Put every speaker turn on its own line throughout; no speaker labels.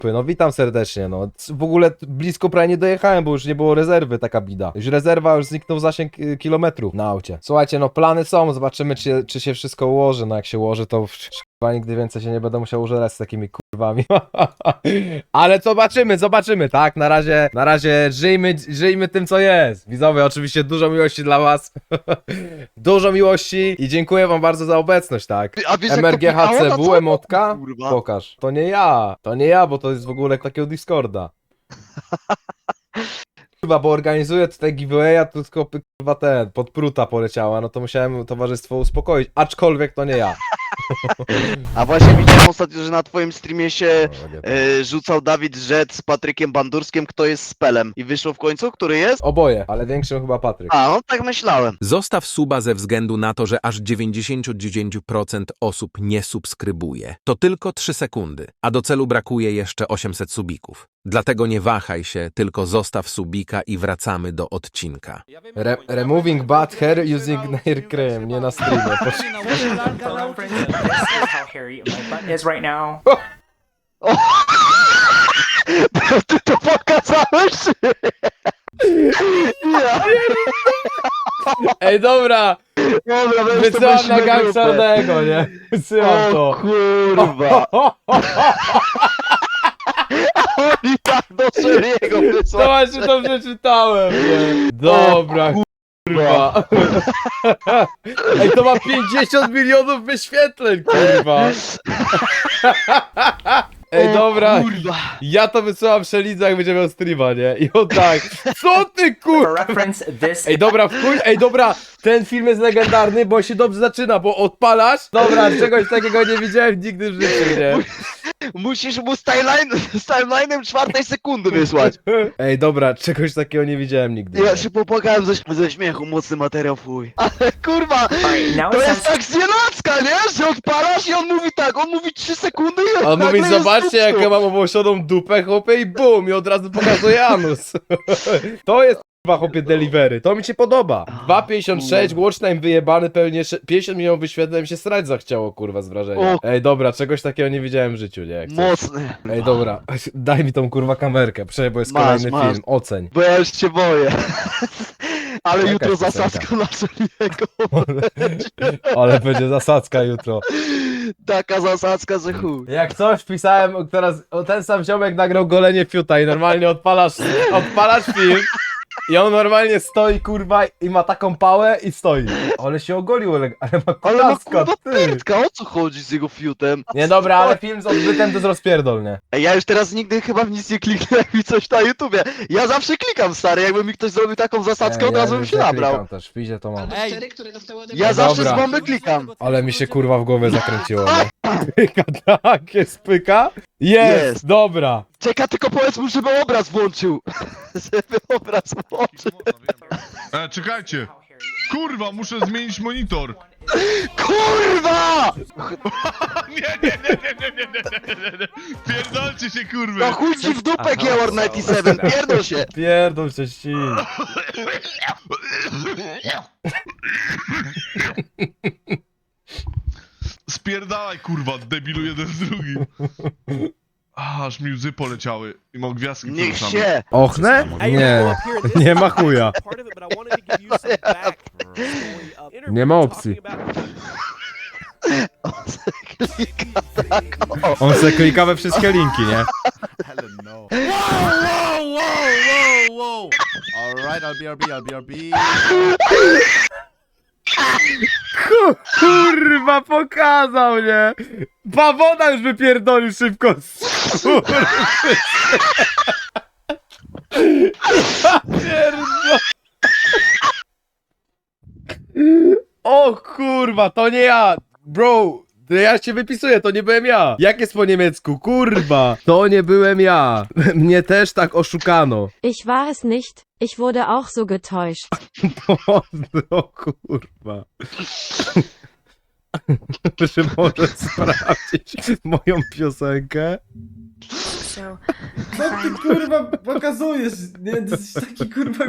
No witam serdecznie, no. W ogóle blisko prawie nie dojechałem, bo już nie było rezerwy, taka bida. Już rezerwa, już zniknął zasięg kilometrów na aucie. Słuchajcie, no plany są, zobaczymy czy się wszystko ułoży, no jak się ułoży, to chyba nigdy więcej się nie będę musiał użerać z takimi kurwami. Ale zobaczymy, tak? Na razie żyjmy tym, co jest. Widzowie, oczywiście dużo miłości dla was. Dużo miłości i dziękuję wam bardzo za obecność, tak?
A wiesz, jak to pikało na
MRGHCW,
całym
emotka?
oku, kurwa.
Pokaż. To nie ja, bo to jest w ogóle takiego Discorda. Kurwa, bo organizuję tutaj giveawaya, to tylko kurwa podpruta poleciała, no to musiałem towarzystwo uspokoić, aczkolwiek to nie ja.
A właśnie widziałem ostatnio, że na twoim streamie się
No, nie.
rzucał Dawid Rzec z Patrykiem Bandurskiem, kto jest Spelem. I wyszło w końcu, który jest?
Oboje, ale większym chyba Patryk.
A, no tak myślałem.
Zostaw suba ze względu na to, że aż 99% osób nie subskrybuje. To tylko 3 sekundy, a do celu brakuje jeszcze 800 subików. Dlatego nie wahaj się, tylko zostaw subika i wracamy do odcinka.
Removing bad hair using nail cream, nie na streamie.
Hello, friends. This is how hairy my butt is right now.
Ty to pokazałeś? Ja.
Ej, dobra,
Dobra,
wysyłam na gang czarnego, nie? Wysyłam
O
to.
kurwa. Oni tak do Szeriego
To
wysłali.
właśnie to przeczytałem, nie? Dobra, kurwa. Ej, to ma 50 milionów wyświetleń, kurwa. Ej, dobra,
Kurwa.
ja to wysyłam Szelidze, jak będzie miał streama, nie? I on tak, co ty
For
kurwa?
reference, this
Ej, dobra, ej, dobra, ten film jest legendarny, bo się dobrze zaczyna, bo odpalasz. Dobra, czegoś takiego nie widziałem nigdy w życiu, nie?
Musisz mu z timeline'em 4 sekundy wysłać.
Ej, dobra, czegoś takiego nie widziałem nigdy.
Ja się popłakałem ze śmiechu, mocny materiał, fuj. Ale kurwa,
Alright, now
to
it
jest
sounds
tak znienacka, nie? Że odpalasz i on mówi tak, on mówi 3 sekundy i
On
nagle
mówi,
jest
zobaczcie jak
dupsko.
ja mam obłosioną dupę, chłopie, i bum, i od razu pokazuje anus. To jest chyba, chłopie, delivery, to mi się podoba. 2,56, watchtime wyjebany, pewnie 50 milionów wyświetleń, mi się srać zachciało, kurwa, z wrażenia.
O.
Ej, dobra, czegoś takiego nie widziałem w życiu, nie? Jak chcesz.
Mocny.
Ej, dobra, daj mi tą, kurwa, kamerkę, bo jest
Masz,
kolejny
masz.
film, oceń.
Bo ja już się boję. Ale
Jaka
jutro
jest piosenka?
zasadzka na Szeliego.
Ale będzie zasadzka jutro.
Taka zasadzka, że chuj.
Jak coś pisałem, teraz ten sam ziomek nagrał golenie fiuta i normalnie odpalasz film i on normalnie stoi, kurwa, i ma taką pałę i stoi. Ale się ogolił, ale ma
Ale ma
kulaska,
kurwa
ty.
pętka, o co chodzi z jego fiutem?
Nie, dobra, ale film z odbytem to jest rozpierdol, nie?
Ej, ja już teraz nigdy chyba w nic nie kliknę, jak mi coś na YouTubie. Ja zawsze klikam, stary, jakby mi ktoś zrobił taką zasadzkę, od razu bym się nabrał.
klikam też, w pizie to mam.
Ej, ja zawsze
Dobra.
z bomby klikam.
Ale mi się, kurwa, w głowie zakręciło, nie? Pyka, tak, jest pyka? Jest,
Jest.
dobra.
Czeka, tylko powiedz mu, żeby obraz włączył. Żeby obraz włączył.
Czekajcie! Kurwa, muszę zmienić monitor!
Kurwa!
Nie! Pierdolcie się, kurwy!
No chuj ci w dupę, Geor 97, pierdol się.
Pierdol się ści.
Spierdalaj, kurwa, debilu jeden z drugim! Aż mi łzy poleciały i mam gwiazdki
Niech
przed oczami.
się.
Ochnę? Nie, nie ma chuja. Nie ma opcji.
Klika tak, o.
On se klika we wszystkie linki, nie?
Whoa! Alright, I'll BRB.
Kurwa, pokazał, nie? Bawoda już wypierdolił szybko. Kurwa. Pierdol... O kurwa, to nie ja. Bro, ja cię wypisuję, to nie byłem ja. Jak jest po niemiecku? Kurwa, to nie byłem ja. Mnie też tak oszukano.
Ich war es nicht, ich wurde auch so getäuscht.
O kurwa. Czy może sprawdzić moją piosenkę?
So,
Co ty kurwa pokazujesz? Nie, to jest taki kurwa...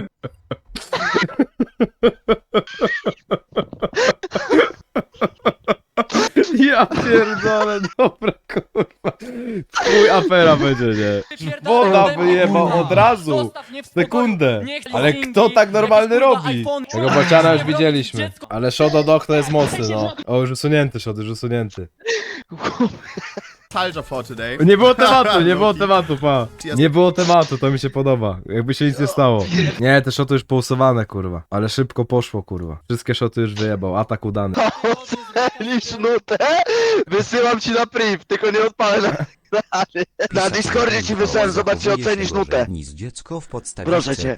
Ja pierdolę, dobra kurwa. Twój afera będzie, nie? Woda wyjebał od razu. Sekundę. Ale kto tak normalny robi? Tego bociana już widzieliśmy. Ale Shodo Dog to jest mocny, no. O, już usunięty Shodo, już usunięty.
Nostalgia for today.
Nie było tematu, nie było tematu, pa. Nie było tematu, to mi się podoba. Jakby się nic nie stało. Nie, te shoty już pousuwane, kurwa. Ale szybko poszło, kurwa. Wszystkie shoty już wyjebał, atak udany.
Ocenisz nutę? Wysyłam ci na priv, tylko nie odpalę na Discordzie ci wysłałem, zobacz czy ocenisz nutę.
Dziecko w
Proszę cię.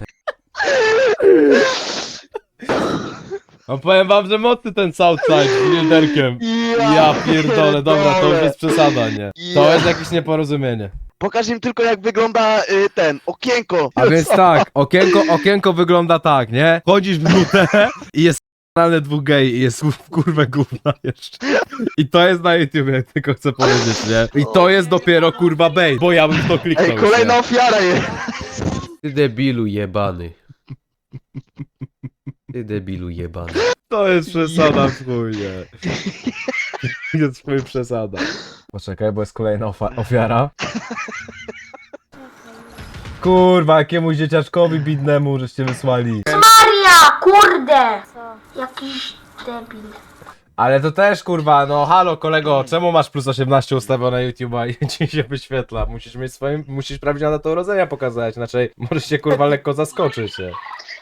No powiem wam, że mocny ten Southside z liderkiem. Ja pierdolę, dobra, to już jest przesada, nie? To jest jakieś nieporozumienie.
Pokaż im tylko jak wygląda ten, okienko.
A więc tak, okienko wygląda tak, nie? Chodzisz w nutę i jest kanalne dwóch gej i jest w kurwę gówna jeszcze. I to jest na YouTubie, tylko chcę powiedzieć, nie? I to jest dopiero kurwa bait, bo ja bym w to kliknął.
Ej, kolejna
nie?
ofiara jest.
Ty debilu jebany. Ty debilu jebany.
To jest przesada w chuj, nie? Jest w chuj przesada. Poczekaj, bo jest kolejna ofiara. Kurwa, jakiemuś dzieciaczkowi bidnemu żeście wysłali.
Maria, kurde! Jakiś debil.
Ale to też kurwa, no halo kolego, czemu masz plus 18 ustawione na YouTube'a i ci się wyświetla? Musisz prawdziwą datę urodzenia pokazać, inaczej możesz się kurwa lekko zaskoczyć. Nie?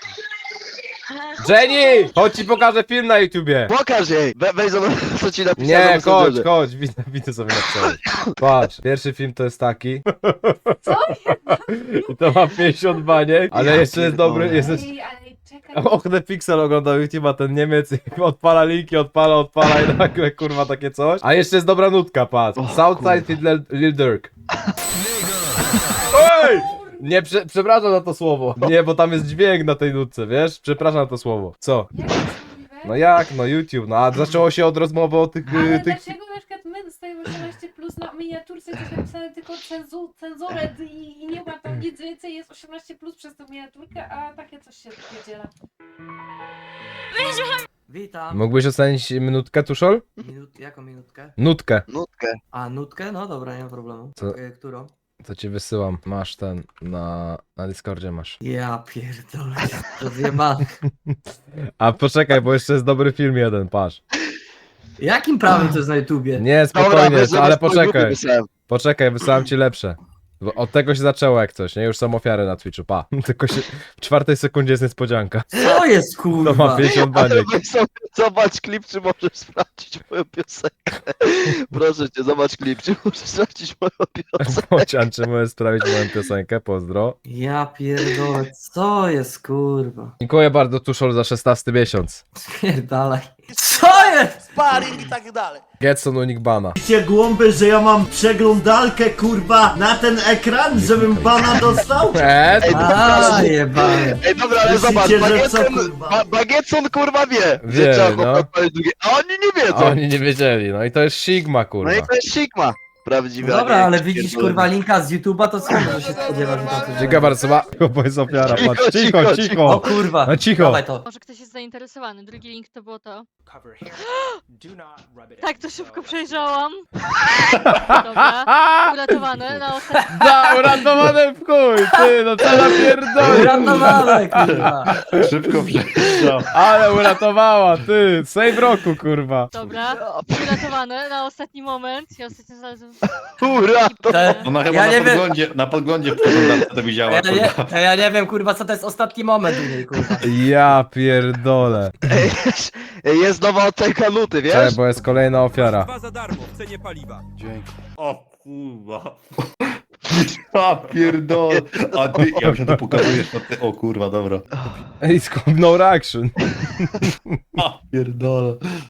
Jenny! Chodź ci pokażę film na YouTubie!
Pokaż jej. Weź zobacz co ci napisałem.
Nie, chodź, widzę sobie napisałem. Patrz, pierwszy film to jest taki. I to ma 50 baniek, ale jeszcze jest dobry, jest... Ochne Pixel oglądał YouTube'a, ten Niemiec i odpala linki, odpala i nagle kurwa takie coś. A jeszcze jest dobra nutka, patrz. Southside Lil Durk. Ej! Nie, przepraszam za to słowo. Nie, bo tam jest dźwięk na tej nutce, wiesz? Przepraszam za to słowo. Co? No jak? No YouTube, no a zaczęło się od rozmowy o tych...
Ale
tych...
dlaczego na przykład my dostajemy 18 plus na miniaturce, coś napisane tylko cenzuret i nie ma tam nic więcej, jest 18 plus przez tą miniaturkę, a takie coś się wydziela.
Witam.
Mógłbyś ocenić minutkę, Tuszol?
Jaką minutkę?
Nutkę.
Nutkę.
A, nutkę? No dobra, nie ma problemu.
Co?
Którą?
Co ci wysyłam. Masz ten, na Discordzie masz.
Ja pierdolę. Rozjebany.
A poczekaj, bo jeszcze jest dobry film jeden, patrz.
Jakim prawem to jest na YouTubie?
Nie,
Dobra,
spokojnie,
weź zobacz,
ale
tą grupę
poczekaj.
wysłałem.
Poczekaj, wysłałem ci lepsze. Bo od tego się zaczęło jak coś, nie? Już są ofiary na Twitchu, pa. Tylko się... w 4 sekundzie jest niespodzianka.
Co jest
To ma
kurwa?
50
Ale
baniek.
weź sobie zobacz klip, czy możesz sprawdzić moją piosenkę. Proszę cię, zobacz klip, czy możesz sprawdzić moją piosenkę.
Bocian, czy możesz sprawić moją piosenkę? Pozdro.
Ja pierdolę, co jest kurwa?
Dziękuję bardzo, Tuszol, za 16 miesiąc.
Pierdalaj. Co jest?
Sparring i tak dalej.
Getson unik bana.
Wiecie głąby, że ja mam przeglądalkę kurwa na ten ekran, żebym bana dostał?
A, jebany.
Ej, dobra, ale
Myślicie,
zobacz,
że co, kurwa?
Bagietson kurwa wie,
Wie,
że trzeba
no.
chłopak palić drugie, a oni nie wiedzą.
Oni nie wiedzieli, no i to jest Sigma,
No
kurwa.
i to jest Sigma. Prawdziwe.
Dobra,
a nie
ale
jakiś
widzisz
pierdolony.
kurwa linka z YouTube'a, to co może się spodziewać, że tam coś
Dziękuję bardzo, bo jest ofiara, patrz. Cicho,
O
cicho.
kurwa,
No cicho.
dawaj to.
Może ktoś jest zainteresowany, drugi link to było to.
Cover hair. Do not rub it
Tak,
in.
to szybko przejrzałam. Dobra, uratowane na ostatnim.
Da, uratowane w chuj, ty, no co napierdolił.
Uratowane kurwa.
Szybko przejdź.
Ale uratowała, ty, save roku, kurwa.
Dobra, uratowane na ostatni moment. Ja ostatnio znalazłem.
Ura, to...
Ona chyba
Ja nie wiem.
na podglądzie to widziała.
Ja nie wiem kurwa co to jest ostatni moment u niej kurwa.
Ja pierdolę.
Jest nowa ocenka nuty, wiesz?
Cześć, bo jest kolejna ofiara.
Dzięki. O kurwa. A pierdol. A ty, ja się to pokazujesz na ty. O kurwa, dobra.
It's called no reaction.
A pierdol.